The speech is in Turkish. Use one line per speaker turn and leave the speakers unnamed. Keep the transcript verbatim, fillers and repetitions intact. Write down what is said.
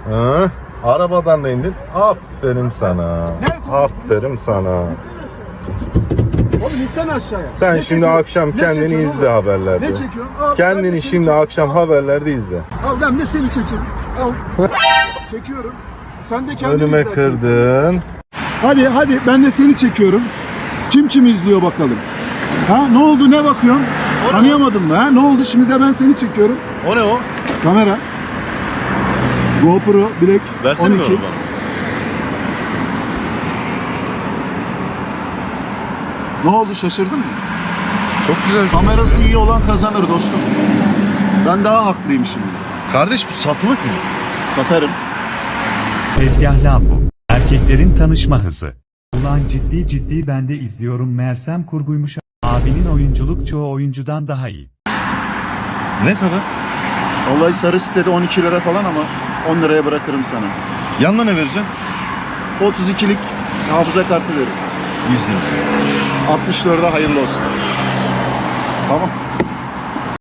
Ha? Arabadan da indin. Aferin sana. Aferin sana.
Oğlum insene aşağıya.
Sen
Ne
şimdi
çekiyorsun?
akşam
Ne
kendini
çekiyorsun
izle
oğlum?
haberlerde.
Ne çekiyorsun? Al, ben de
Kendini
seni
şimdi
çekiyorum.
akşam haberlerde izle.
Al ben de seni çekeyim. Al. Çekiyorum. Sen de kendini
Önüme
izlersin.
kırdın.
Hadi hadi ben de seni çekiyorum. Kim kimi izliyor bakalım. Ha ne oldu, ne bakıyorsun? Tanıyamadın mı ha? Ne oldu, şimdi de ben seni çekiyorum.
O ne o?
Kamera. GoPro direkt
Versene
on iki.
mi bana?
Ne oldu, şaşırdın mı?
Çok güzel.
Kamerası iyi olan kazanır dostum. Ben daha haklıyım şimdi.
Kardeş bu satılık mı?
Satarım.
Tezgah Lambo. Erkeklerin tanışma hızı. Ulan ciddi ciddi ben de izliyorum meğersem kurguymuş. Abinin oyunculuk çoğu oyuncudan daha iyi.
Ne kadar?
Vallahi sarı sitede on iki lira falan ama on liraya bırakırım sana.
Yanına ne vereceğim?
otuz ikilik hafıza kartı veririm.
yüz yirmi sekiz.
altmış dörde hayırlı olsun. Tamam.